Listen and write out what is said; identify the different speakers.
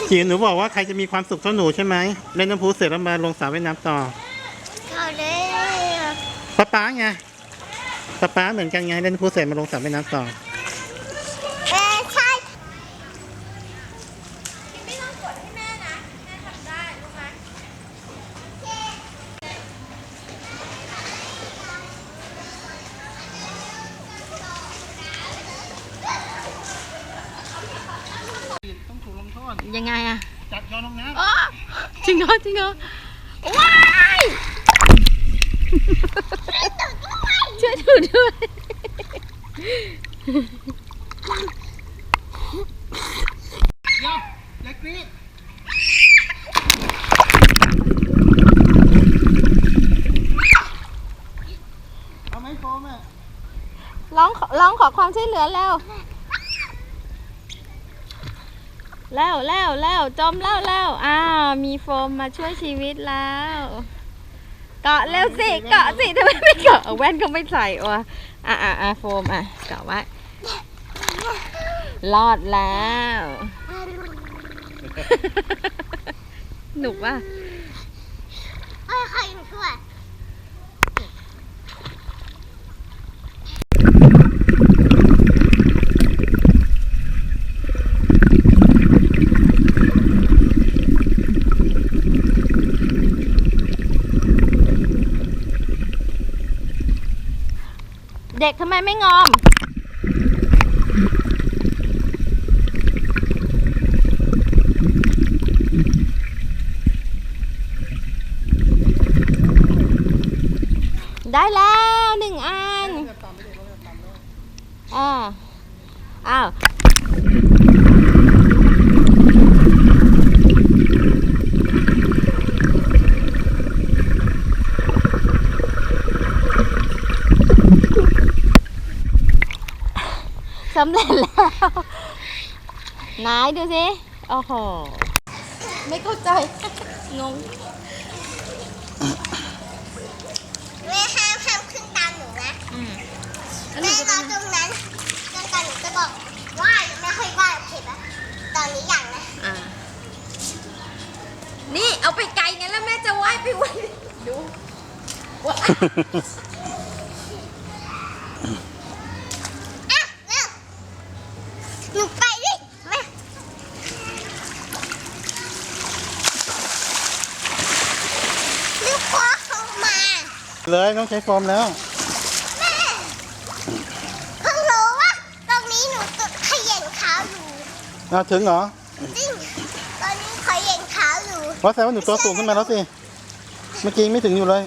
Speaker 1: จีหนูบอกว่าใครจะมีความสุขเท่าหนูใช่ไหมเล่นน้ำพุเสร็จแล้วมาลงสระว่ายน้ำต่อ
Speaker 2: เขาเลย
Speaker 1: ป๊าไงป๊าเหมือนกันไงเล่นน้ำพุเสร็จมาลงสระว่ายน้ำต่อ
Speaker 2: ใช่
Speaker 3: ไม่ต้องกดให้แม่นะแม่ทำได้รู้ไหม
Speaker 1: ต้องถูกลงโทษ
Speaker 3: ยังไงอะ
Speaker 1: จับโยนลงน้
Speaker 3: ำจริงเหรอว้ายช่วยดูด้วย
Speaker 1: เดี๋ยวเล็กนี้เอาไม้โฟมอ่ะ
Speaker 3: ร้องขอความช่วยเหลือแล้วจมแล้วอ้าวมีโฟมมาช่วยชีวิตแล้วเกาะเร็วสิเกาะสิทำไมไม่เกาะแว่นก็ไม่ใส่วะโฟมเกาะไว้รอดแล้วหนุกว่ะ
Speaker 2: ใครช่วย
Speaker 3: เด็กทำไมไม่งอมได้แล้ว1 อันอ้าวสำเร็จแล้วไหนดูสิโอ้โหไม่เข้าใจงง
Speaker 2: แม่ห้ามขึ้นตามหนูนะแม่รอตรงนั้นจนกว่าหนูจะบอกว่าไม่ค่อยว่าโอเคปะตอนนี้อย่างนะ
Speaker 3: นี่เอาไปไกลงั้นแล้วแม่จะว่ายไปว่ายดู
Speaker 2: หนูไปดิแม่ลูกพ่อเขามา
Speaker 1: เลยต้องใช้โฟมแล้ว
Speaker 2: แม่เพิ่งรู้ว่าตรงนี้หนูตุดขย่งเท้าอยู่
Speaker 1: ถึงเหรอ
Speaker 2: จริงตอนนี้ขย่งเท้าอยู่
Speaker 1: เพราะแสดงว่าหนูตัวสูงขึ้นมาแล้วสิเมื่อกี้ไม่ถึงอยู่เลย